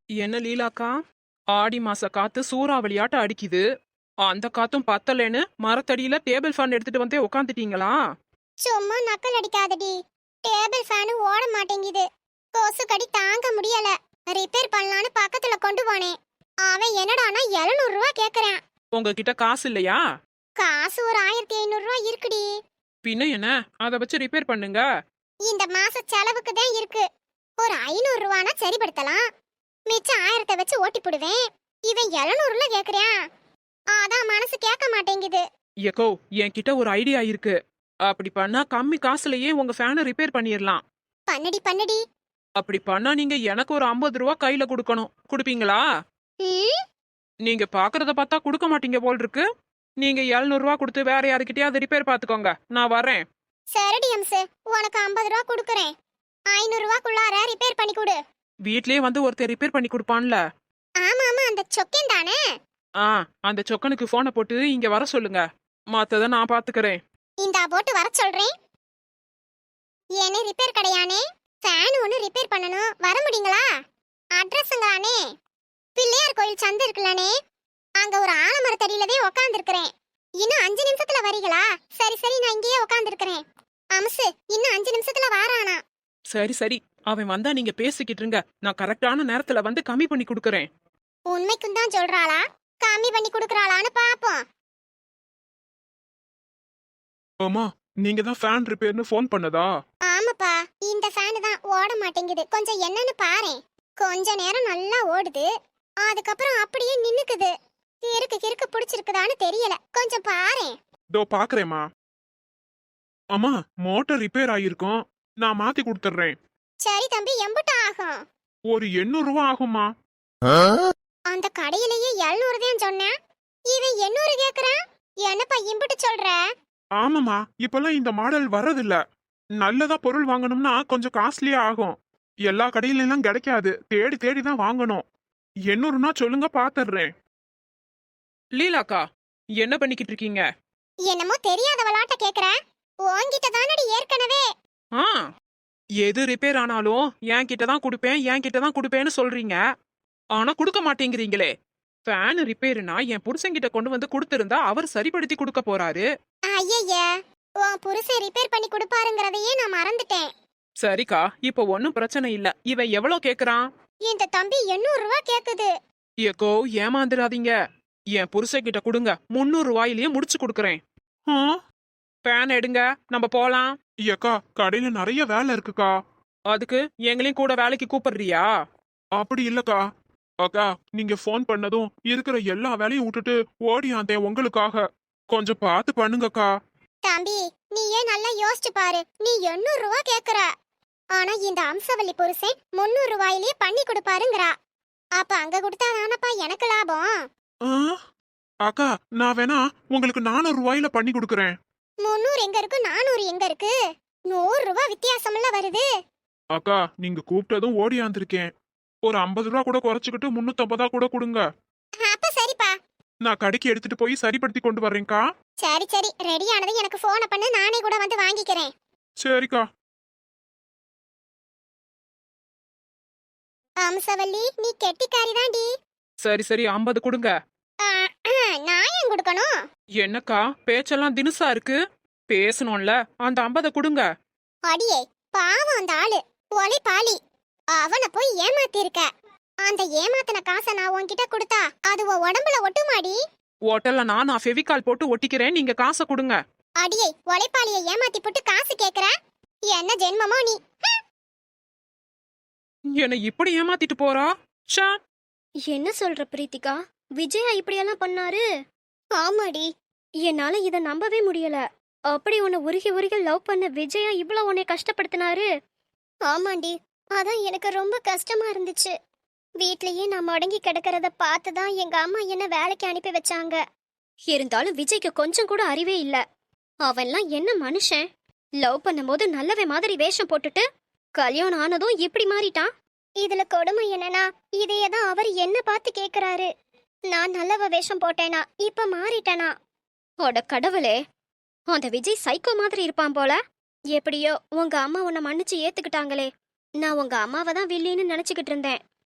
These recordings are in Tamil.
என்ன லீலாக்கா? ஆடி மாச காத்து சூறாவளியாட்ட அடிக்குது. அந்த காத்தும் பத்தலேன்னு மரத்தடியில டேபிள் ஃபேன் எடுத்துட்டு வந்தே உக்காந்துட்டீங்களா? சும்மா நக்கல் அடிக்காதடி. டேபிள் ஃபேன் ஓட மாட்டேங்குது. கொசு கடி தாங்க முடியல. ரிப்பேர் பண்ணலான்னு பக்கத்துல கொண்டு போனேன். அவன் என்னடானா 700 ரூபாய் கேக்குறான். உங்ககிட்ட காசு இல்லையா? காசு ஒரு 1500 ரூபாய் இருக்குடி. பின்ன என்ன, அதை வச்சு ரிப்பேர் பண்ணுங்க. இந்த மாச செலவுக்கு தான் இருக்கு. ஒரு 500 ரூபானா சரிப்படுத்தலாம். மிச்சம் 1000 வச்சு ஓட்டி போடுவேன். இவன் 700ல கேக்குறான். அதான் மனசு கேட்க மாட்டேங்குது. ஏக்கோ, என்கிட்ட ஒரு ஐடியா இருக்கு. அப்படி பண்ணா கம்மி காசுலயே உங்க ஃபேனை ரிப்பேர் பண்ணிடலாம். பண்ணடி பண்ணடி. அப்படி பண்ணா நீங்க எனக்கு ஒரு 50 ரூபா கையில கொடுக்கணும். கொடுப்பீங்களா? ம், நீங்க பாக்குறத பார்த்தா கொடுக்க மாட்டீங்க போல் இருக்கு. நீங்க 700 ரூபா கொடுத்து வேற யாருக்கிட்டயாவது ரிப்பேர் பாத்துக்கோங்க. நான் வரேன். சரிடி அம்சு. உனக்கு 50 ரூபா கொடுக்கறேன். 500 ரூபாக்குள்ளார ரிப்பேர் பண்ணி கொடு. வீட்லயே வந்து ஒருத்தர் ரிப்பேர் பண்ணி கொடுப்பான்ல. ஆமா ஆமா, அந்த சொக்கன் தானே. ஆ, அந்த சொக்கனுக்கு போனை போட்டு இங்க வர சொல்லுங்க. மத்தத நான் பாத்துக்கறேன். இந்தா போட்டு வர சொல்றேன். ஏனே ரிப்பேர் கடையானே, ஃபேன் ஒன்று ரிப்பேர் பண்ணணும். வர முடியுங்களா? அட்ரஸுங்களானே, பிள்ளையார் கோயில் சந்து இருக்குல்லனே, அங்க ஒரு ஆலமரத்தடியிலவே உக்காந்துருக்கிறேன். இன்னும் 5 நிமிஷத்துல வரீங்களா? சரி சரி, நான் இங்கேயே உக்காந்துருக்கிறேன். அம்சு, இன்னும் 5 நிமிஷத்துல வாரானா? சரி சரி, அவன் வந்தா நீங்க பேசிக்கிட்டு இருங்க. நான் கரெக்டான நேரத்துல வந்து கம்மி பண்ணி கொடுக்கறேன். உண்மைக்கும் தான் சொல்றாளா, கம்மி பண்ணி கொடுக்கறாளான்னு பாப்போம். ஆமா, நீங்க தான் ஃபேன் ரிப்பேர்னு ஃபோன் பண்ணதா? ஆமாப்பா, இந்த ஃபேன் தான் ஓட மாட்டேங்குது. கொஞ்சம் என்னன்னு பாரேன். கொஞ்ச நேரம் நல்லா ஓடுது, அதுக்கப்புறம் அப்படியே நின்னுக்குது. கிறுக்கு கிறுக்கு பிடிச்சிருக்குதான்னு தெரியல. கொஞ்சம் பாரேன். இதோ பாக்குறேம்மா. அம்மா, மோட்டார் ரிப்பேர் ஆயிருக்கும். நான் மாத்தி கொடுத்துறேன். சரி தம்பி, எம்புட்டு ஆகும்? ஒரு 800 ரூபா ஆகும்மா. அந்த கடையிலேயே 700 தான் சொன்னேன். இவன் 800 கேக்குறான். என்னப்பா இம்புட்டு சொல்ற? ஆமாம்மா, இப்பெல்லாம் இந்த மாடல் வர்றதில்ல. நல்லதா பொருள் வாங்கணும்னா கொஞ்சம் காஸ்ட்லியா ஆகும். எல்லா கடையில எல்லாம் கிடைக்காது. தேடி தேடி தான் வாங்கணும். 800னா சொல்லுங்க, பாத்துறேன். லீலாக்கா, என்ன பண்ணிக்கிட்டு இருக்கீங்க? என்னமோ தெரியாத விளாட்ட கேக்குற. உன்கிட்ட தானடி ஏற்கனவே. ஆ, எது ரிப்பேர் ஆனாலும் என் கிட்ட தான் கொடுப்பேன், என் கிட்ட தான் கொடுப்பேன்னு சொல்றீங்க. ஆனா கொடுக்க மாட்டேங்கிறீங்களே. ஃபேன் ரிப்பேர்னா என் புருஷன்கிட்ட கொண்டு வந்து கொடுத்திருந்தா அவர் சரிப்படுத்தி கொடுக்க போறாரு. ஐயய்ய, உன் புருஷன் ரிப்பேர் பண்ணி கொடுப்பாருங்கறதையே நான் மறந்துட்டேன். சரிக்கா, இப்ப ஒன்னும் பிரச்சனை இல்ல. இவன் எவ்வளவு கேக்குறான்? இந்த தம்பி 800 ரூபாய் கேக்குது. ஏக்கோ, ஏமாந்துடாதீங்க. என் புருஷன்கிட்ட கொடுங்க, 300 ரூபாயிலேயே முடிச்சு கொடுக்கறேன். ஃபேன் எடுங்க, நம்ம போலாம். ஏக்கா, கடையில நிறைய வேலை இருக்குக்கா. அதுக்கு எங்களையும் கூட வேலைக்கு கூப்பிடுறியா? அப்படி இல்லக்கா. அக்கா, நீங்க ஃபோன் பண்ணதும் இருக்கிற எல்லா வேலையும் விட்டுட்டு ஓடியாந்தேன் உங்களுக்காக. கொஞ்சம் பார்த்து பண்ணுங்கக்கா. தம்பி, நீயே நல்லா யோசிச்சு பாரு. நீ 800 ரூபாய் கேக்குற. ஆனா இந்த அம்சவல்லி புருஷன் 300 ரூபாயிலேயே பண்ணி கொடுப்பாருங்கறா. அப்ப அங்க கொடுத்தா தானப்பா எனக்கு லாபம். அக்கா, நான் வேணா உங்களுக்கு 400 ரூபாயில பண்ணி கொடுக்கறேன். 300 எங்க இருக்கு, 400 எங்க இருக்கு? 100 ரூபாய் வித்தியாசம்ல வருது. அக்கா, நீங்க கூப்பிட்டதும் ஓடியாந்திருக்கேன். ஒரு 50 ரூபா கூட குறைச்சுக்கிட்டு 350 கூட கொடுங்க. அப்ப சரிப்பா. நான் கடைக்கு எடுத்துட்டு போய் சரிப்படுத்தி கொண்டு வர்றேன்க்கா. சரி சரி, ரெடி ஆனது எனக்கு போனை பண்ணு, நானே கூட வந்து வாங்கிக்கிறேன். சரிக்கா. அம்சவல்லி, நீ கெட்டிக்காரி தாண்டி. சரி சரி, 50 கொடுங்க. நான் ஏன் கொடுக்கணும்? என்னக்கா, பேச்செல்லாம் தினுசா இருக்கு. பேசணும்ல, அந்த 50 கொடுங்க. அடியே பாவம் அந்த ஆளு, ஒலை பாலி. அவனை போய் ஏமாத்தி இருக்க. அந்த ஏமாத்தின காசை நான் உன்கிட்ட கொடுத்தா அது உன் உடம்புல ஒட்டுமாடி? ஓட்டல்ல நான் ஃபெவிகால் போட்டு ஒட்டிக்கிறேன், நீங்க காசை கொடுங்க. அடியே, ஒலைப்பாலிய ஏமாத்தி போட்டு காசு கேக்குற? என்ன ஜென்மமோ நீ? என்னை இப்படி ஏமாத்திட்டு போறா. ச்சே. என்ன சொல்ற பிரீத்திகா? விஜயா இப்படியெல்லாம் பண்ணாரு? ஆமாடி. என்னால இத நம்பவே முடியல. அப்படி உன்னை உருகி உருகி லவ் பண்ண விஜயா இவ்வளவு உன்னை கஷ்டப்படுத்தினாரு? ஆமாண்டி, அதான் எனக்கு ரொம்ப கஷ்டமா இருந்துச்சு. வீட்லயே நான் முடங்கி கிடக்கிறத பார்த்துதான் எங்க அம்மா என்ன வேலைக்கு அனுப்பி வச்சாங்க. இருந்தாலும் விஜய்க்கு கொஞ்சம் கூட அறிவே இல்ல. அவன்லாம் என்ன மனுஷன்? லவ் பண்ணும்போது நல்லவே மாதிரி வேஷம் போட்டுட்டு கல்யாணம் ஆனதும் இப்படி மாறிட்டான். இதுல கொடுமை என்னன்னா, இதையதான் அவர் என்ன பார்த்து கேக்குறாரு. நான் நல்லவ வேஷம் போட்டேனா, இப்ப மாறிட்டேனா? அட கடவுளே, அந்த விஜய் சைக்கோ மாதிரி இருப்பான் போல. எப்படியோ உங்க அம்மா உன்னை மன்னிச்சு ஏத்துக்கிட்டாங்களே. நான் உங்க அம்மாவை தான் வில்லின்னு நினைச்சுக்கிட்டு இருந்தேன்.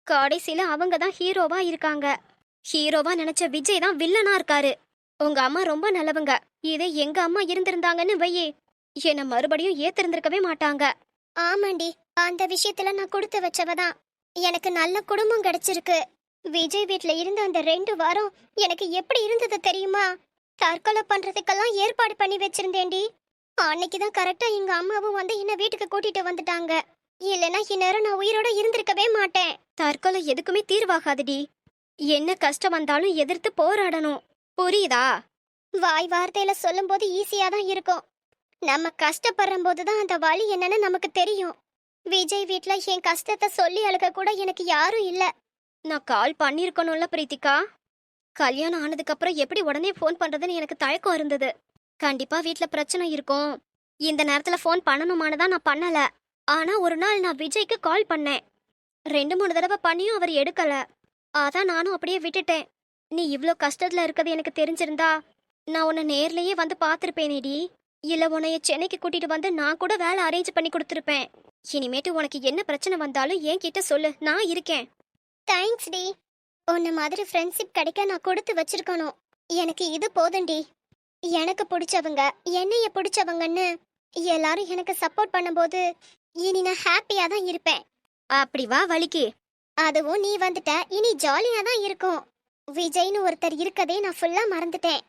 கடைசியில அவங்க தான் ஹீரோவா இருக்காங்க. ஹீரோவா நினைச்ச விஜய் தான் வில்லனா இருக்காரு. உங்க அம்மா ரொம்ப நல்லவங்க. இதே எங்க அம்மா இருந்திருந்தாங்கன்னு வையே, என்ன மறுபடியும் ஏத்திருந்திருக்கவே மாட்டாங்க. ஆமாண்டி, அந்த விஷயத்துல நான் கொடுத்து வச்சவதான். எனக்கு நல்ல குடும்பம் கிடைச்சிருக்கு. விஜய் வீட்ல இருந்த அந்த 2 வாரம் எனக்கு எப்படி இருந்தது தெரியுமா? தற்கொலை பண்றதுக்கெல்லாம் ஏற்பாடு பண்ணி வச்சிருந்தேன்டி. அன்னைக்குதான் கரெக்டா எங்க அம்மாவும் வந்து என்ன வீட்டுக்கு கூட்டிட்டு வந்துட்டாங்க. இல்லைன்னா இந்நேரம் நான் உயிரோட இருந்திருக்கவே மாட்டேன். தற்கொலை எதுக்குமே தீர்வாகாதுடி. என்ன கஷ்டம் வந்தாலும் எதிர்த்து போராடணும். புரியுதா? வாய் வார்த்தையில சொல்லும்போது ஈஸியா தான் இருக்கும். நம்ம கஷ்டப்படுற போதுதான் அந்த வலி என்னன்னு நமக்கு தெரியும். விஜய் வீட்ல என் கஷ்டத்தை சொல்லி அழுக கூட எனக்கு யாரும் இல்ல. நான் கால் பண்ணிருக்கணும்ல பிரீத்திகா. கல்யாணம் ஆனதுக்கு அப்புறம் எப்படி உடனே ஃபோன் பண்றதுன்னு எனக்கு தயக்கம் இருந்தது. கண்டிப்பா வீட்ல பிரச்சனை இருக்கும், இந்த நேரத்துல ஃபோன் பண்ணணுமானதான் நான் பண்ணல. ஆனா ஒரு நாள் நான் விஜய்க்கு கால் பண்ணேன். 2-3 தடவை பண்ணியும் அவர் எடுக்கல. அதான் நானும் அப்படியே விட்டுட்டேன். நீ இவ்ளோ கஷ்டத்துல இருக்கிறது எனக்கு தெரிஞ்சிருந்தா நான் உன்னை நேர்லயே வந்து பார்த்திருப்பேனேடி. இல்ல உன்னைய சென்னைக்கு கூட்டிட்டு வந்து நான் கூட வேலை அரேஞ்ச் பண்ணி கொடுத்துருப்பேன். இனிமேட்டு உனக்கு என்ன பிரச்சனை வந்தாலும் என்கிட்ட சொல்லு, நான் இருக்கேன். தேங்க்ஸ் டி. உன்ன மாதிரி ஃப்ரெண்ட்ஷிப் கிடைக்க நான் கொடுத்து வச்சிருக்கணும். எனக்கு இது போதும்டி. எனக்கு பிடிச்சவங்க, என்னைய பிடிச்சவங்கன்னு எல்லாரும் எனக்கு சப்போர்ட் பண்ணும்போது இனி நான் ஹாப்பியா தான் இருப்பேன். அப்படி வா வலிக்கு. அதுவும் நீ வந்துட்ட, இனி ஜாலியா தான் இருக்கும். விஜய்னு ஒருத்தர் இருக்கதே நான் ஃபுல்லா மறந்துட்டேன்.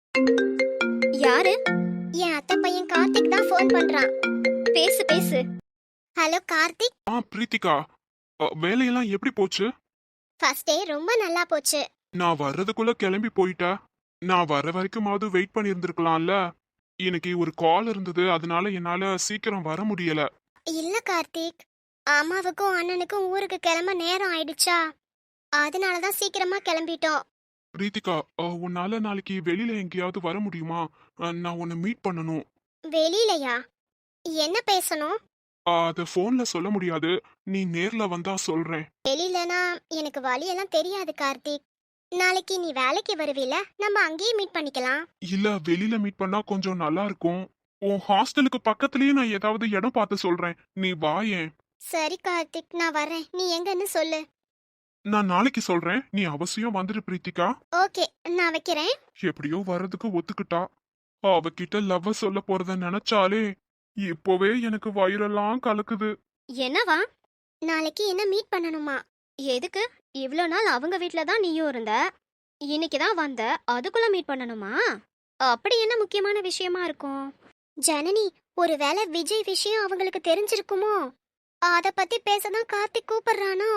யாரு? என் அத்தை பையன் கார்த்திக் தான் ஃபோன் பண்றான். பேசு பேசு. ஹலோ கார்த்திக். பிரீத்திகா, வேலையெல்லாம் எப்படி போச்சு? ஃபர்ஸ்ட் டே ரொம்ப நல்லா போச்சு. நான் வர்றதுக்குள்ள கிளம்பி போயிட்டா. நான் வர வரைக்குமாவது வெயிட் பண்ணி இருந்திருக்கலாம்ல. எனக்கு ஒரு கால் இருந்தது, அதனால என்னால சீக்கிரம் வர முடியல. இல்ல கார்த்திக், அம்மாவுக்கும் அண்ணனுக்கும் ஊருக்கு கிளம்ப நேரம் ஆயிடுச்சா, அதனால தான் சீக்கிரமா கிளம்பிட்டோம். பிரீத்திகா, உன்னால நாளைக்கு வெளியில எங்கேயாவது வர முடியுமா? நான் உன்னை மீட் பண்ணணும். வெளியிலயா? என்ன பேசணும்? அத போன்ல சொல்ல முடியாது, நீ நேர்ல வந்தா சொல்றேன். வெளியிலனா எனக்கு வழியெல்லாம் தெரியாது கார்த்திக். நாளைக்கு நீ வேலைக்கு வருவீல, நம்ம அங்கேயே மீட் பண்ணிக்கலாம். இல்ல, வெளியில மீட் பண்ணா கொஞ்சம் நல்லா இருக்கும். உன் ஹாஸ்டலுக்கு பக்கத்துலயே நான் ஏதாவது இடம் பார்த்து சொல்றேன், நீ வாயேன். சரி கார்த்திக், நான் வரேன். நீ எங்கன்னு சொல்லு. நான் நாளைக்கு சொல்றேன், நீ அவசியம் வந்துரு பிரீத்திகா. ஓகே, நான் வைக்கிறேன். எப்படியோ வர்றதுக்கு ஒத்துக்கிட்டா. அவகிட்ட லவ் சொல்ல போறத நினைச்சாலே இப்போவே எனக்கு வயிறெல்லாம் கலக்குது. என்னவா? நாளைக்கு என்ன மீட் பண்ணணுமா? எதுக்கு? இவ்ளோ நாள் அவங்க வீட்ல தான் நீயும் இருந்த, இன்னைக்கு தான் வந்த, அதுக்குள்ள மீட் பண்ணணுமா? அப்படி என்ன முக்கியமான விஷயமா இருக்கும்? ஜனனி, ஒருவேளை விஜய் விஷயம் அவங்களுக்கு தெரிஞ்சிருக்குமோ? அத பத்தி பேசதான் கார்த்திக் கூப்பிடுறானோ?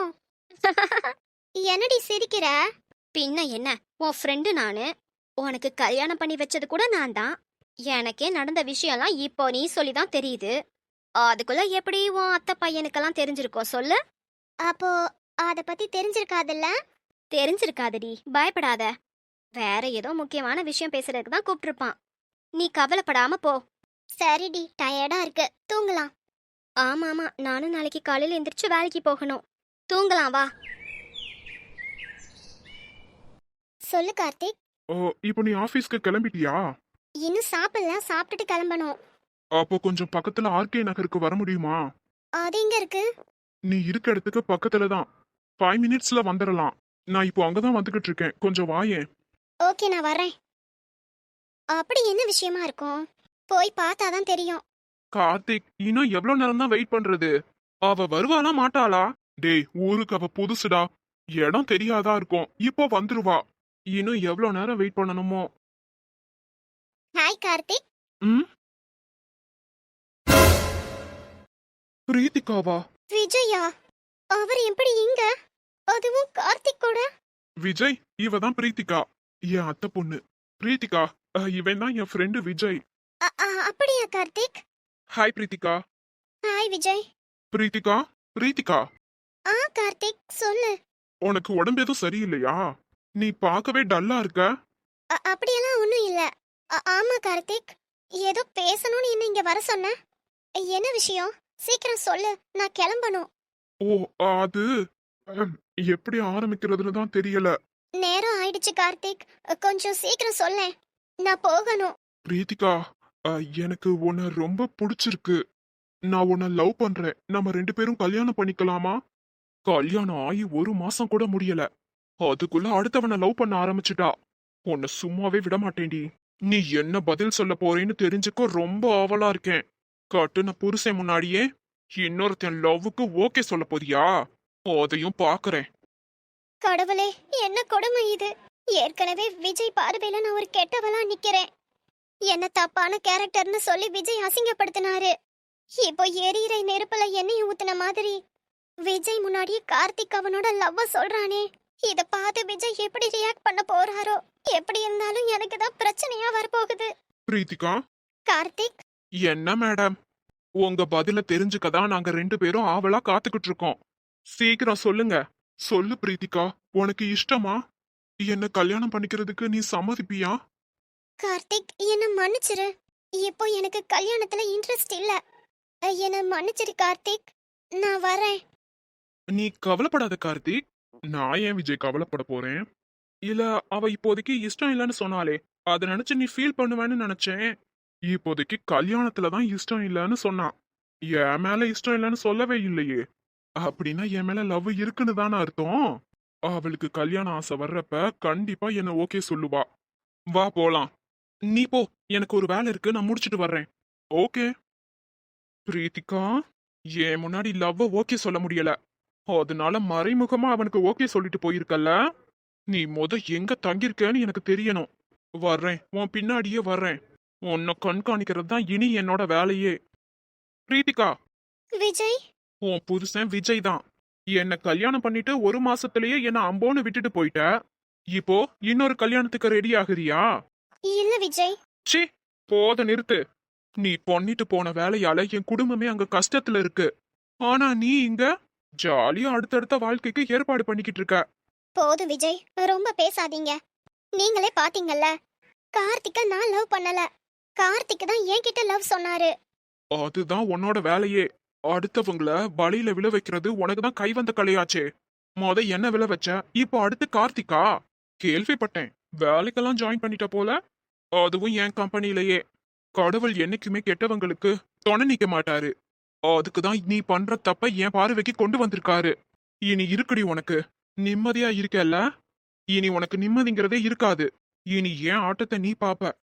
என்னடி சிரிக்கிற? பின்ன என்ன, உன் ஃப்ரெண்டு நானு. உனக்கு கல்யாணம் பண்ணி வச்சது கூட நான் தான். எனக்கே நடந்த விஷயம்லாம் இப்போ நீ சொல்லிதான் தெரியுது. அதுக்குள்ள எப்படி உன் அத்தை பையனுக்கெல்லாம் தெரிஞ்சிருக்கோம் சொல்லு? அப்போ அத பத்தி தெரிஞ்சிருக்காதுல்ல? தெரிஞ்சிருக்காதடி, பயப்படாத. வேற ஏதோ முக்கியமான விஷயம் பேசுறதுக்கு தான் கூப்பிட்டுருப்பான். நீ கவலைப்படாம போ. சரிடி, டயர்டா இருக்கு, தூங்கலாம். ஆமாமா, நானும் நாளைக்கு காலையில எந்திரிச்சு வேலைக்கு போகணும். தூங்கலாம் வா. சொல்லு கார்த்திக். இப்போ நீ ஆபீஸ்க்கு கிளம்பிட்டியா? இன்னும் சாப்பிடல, சாப்பிட்டுட்டு கிளம்பணும். அப்போ கொஞ்சம் பக்கத்துல ஆர்கே நகருக்கு வர முடியுமா? அது எங்க இருக்கு? நீ இருக்க இடத்துக்கு பக்கத்துல தான், 5 மினிட்ஸ்ல வந்துடலாம். நான் இப்போ அங்கதான் வந்துகிட்டு இருக்கேன், கொஞ்சம் வாயேன். ஓகே, நான் வரேன். அப்படி என்ன விஷயமா இருக்கும்? போய் பார்த்தாதான் தெரியும். கார்த்திக், இன்னும் எவ்வளவு நேரம் தான் வெயிட் பண்றது? அவ வருவாளா மாட்டாளா? டேய், ஊருக்கு அவ புதுசுடா, இடம் தெரியாதா இருக்கும், இப்போ வந்துருவா. இன்னும் எவ்வளவு நேரம் வெயிட் பண்ணணுமோ? ஹாய் கார்த்திக். ம், பிரீத்திகாவா? விஜயா? அவர் எப்படி இங்க? அதுவும் கார்த்திக் கூட? விஜய், இவ தான் பிரீத்திகா, என் அத்தை பொண்ணு. பிரீத்திகா, இவன் தான் என் ஃப்ரெண்டு விஜய். அப்படியா கார்த்திக்? ஹாய் பிரீத்திகா. ஹாய் விஜய். பிரீத்திகா, பிரீத்திகா, கார்த்திக் சொல்லு. உனக்கு உடம்பு எதுவும் சரியில்லையா? நீ பார்க்கவே டல்லா இருக்க. அப்படியெல்லாம் ஒண்ணும் இல்ல. ஆமா கார்த்திக், ஏதோ பேசணும்னு என்ன இங்க வர சொன்ன. என்ன விஷயம்? சீக்கிரம் சொல்லு, நான் கிளம்பணும். ஓ, அது எப்படி ஆரம்பிக்கிறதுன்னு தான் தெரியல. நேரம் ஆயிடுச்சு கார்த்திக், கொஞ்சம் சீக்கிரம் சொல்லேன், நான் போகணும். பிரீத்திகா, எனக்கு உன்னை ரொம்ப பிடிச்சிருக்கு. நான் உன்னை லவ் பண்றேன். நம்ம 2 பேரும் கல்யாணம் பண்ணிக்கலாமா? கல்யாணம் ஆகி 1 மாசம் கூட முடியல அதுக்குள்ள அடுத்தவனை லவ் பண்ண ஆரம்பிச்சுட்டா. உன்னை சும்மாவே விட மாட்டேன்டி. நீ என்ன பதில் சொல்ல போறேன்னு தெரிஞ்சுக்க ரொம்ப ஆவலா இருக்கேன். கட்டுன புருஷன் முன்னாடியே இன்னொருத்தன் லவ்வுக்கு ஓகே சொல்ல போறியா? அதையும் பாக்குறேன். கடவுளே, என்ன கொடுமை இது! ஏற்கனவே விஜய் பார்வையில நான் ஒரு கெட்டவளா நிக்கிறேன். என்ன தப்பான கேரக்டர்னு சொல்லி விஜய் அசிங்கப்படுத்தினாரு. இப்போ எரியிற நெருப்புல எண்ணெய் ஊத்துன மாதிரி விஜய் முன்னாடியே கார்த்திக் அவனோட லவ்வ சொல்றானே. இத பார்த்து விஜய் எப்படி ரியாக்ட் பண்ண போறாரோ? எப்படி இருந்தாலும் எனக்கு தான் பிரச்சனையா வரப்போகுது. பிரீத்திகா, கார்த்திக், என்ன மேடம்? உங்க பதில தெரிஞ்சுக்கதான் நாங்க 2 பேரும் ஆவலா காத்துக்கிட்டு இருக்கோம். சீக்கிரம் சொல்லுங்க. சொல்லு பிரீத்திகா, உனக்கு இஷ்டமா? என்ன கல்யாணம் பண்ணிக்கிறதுக்கு நீ சம்மதிப்பியா? கார்த்திக், என்ன மன்னிச்சிரு. இப்போ எனக்கு கல்யாணத்துல இன்ட்ரெஸ்ட் இல்ல. என்ன மன்னிச்சிரு கார்த்திக். நான் வரேன். நீ கவலைப்படாத கார்த்திக். நான் ஏன் விஜய் கவலைப்பட போறேன்? இல்ல, அவ இப்போதைக்கு இஷ்டம் இல்லைன்னு சொன்னாலே அதை நினைச்சு நீ ஃபீல் பண்ணுவேன்னு நினைச்சேன். இப்போதைக்கு கல்யாணத்துல தான் இஷ்டம் இல்லைன்னு சொன்னான். என் மேல இஷ்டம் இல்லைன்னு சொல்லவே இல்லையே. அப்படின்னா என் மேல லவ் இருக்குன்னு தானே அர்த்தம். அவளுக்கு கல்யாண ஆசை வர்றப்ப கண்டிப்பா என்ன ஓகே சொல்லுவா. வா போலாம். நீ போ, எனக்கு ஒரு வேலை இருக்கு, நான் முடிச்சிட்டு வர்றேன். ஓகே. பிரீத்திகா, என் முன்னாடி லவ் ஓகே சொல்ல முடியல, அதனால மறைமுகமா அவனுக்கு ஓகே சொல்லிட்டு போயிருக்கல்ல. நீ எங்க தங்கியிருக்கேன்னு எனக்கு தெரியணும். வர்றேன், உன் பின்னாடியே வர்றேன். உன்னை கண்காணிக்கிறது தான் இனி என்னோட வேலையே. பிரீத்திகா, விஜய், உன் புருஷன் விஜய் தான். என்ன கல்யாணம் பண்ணிட்டு 1 மாசத்திலேயே என்ன அம்போன்னு விட்டுட்டு போயிட்ட. இப்போ இன்னொரு கல்யாணத்துக்கு ரெடி ஆகுறியா? இல்ல விஜய். ச்சீ, போத நிறுத்து. நீ பண்ணிட்டு போன வேலையால என் குடும்பமே அங்க கஷ்டத்துல இருக்கு. ஆனா நீ இங்க ஜாலியா அடுத்தடுத்த வாழ்க்கைக்கு ஏற்பாடு பண்ணிக்கிட்டு இருக்க. போதும் விஜய், ரொம்ப பேசாதீங்க. நீங்களே பாத்தீங்கல்ல, கார்த்திக்க நான் லவ் பண்ணல. கார்த்திக் தான் என்கிட்ட லவ் சொன்னாரு. அதுதான் உன்னோட வேலையே. அடுத்தவங்கள பலியில விழ வைக்கிறது உனக்கு தான் கை வந்த கலையாச்சே. என்ன விழ வச்ச, இப்போ அடுத்து கார்த்திகா? கேள்விப்பட்டேன், வேலைக்கெல்லாம் ஜாயின் பண்ணிட்ட போல. அதுவும் என் கம்பெனிலேயே. கடவுள் என்னைக்குமே கெட்டவங்களுக்கு துணை நிக்க மாட்டாரு. அதுக்குதான் நீ பண்ற தப்ப என் பார்வைக்கு கொண்டு வந்திருக்காரு. இனி இருக்குடி உனக்கு. நிம்மதியா இருக்கல்ல? இனி உனக்கு நிம்மதிங்கிறதே இருக்காது. இனி ஏன் ஆட்டத்தை நீ பாப்ப.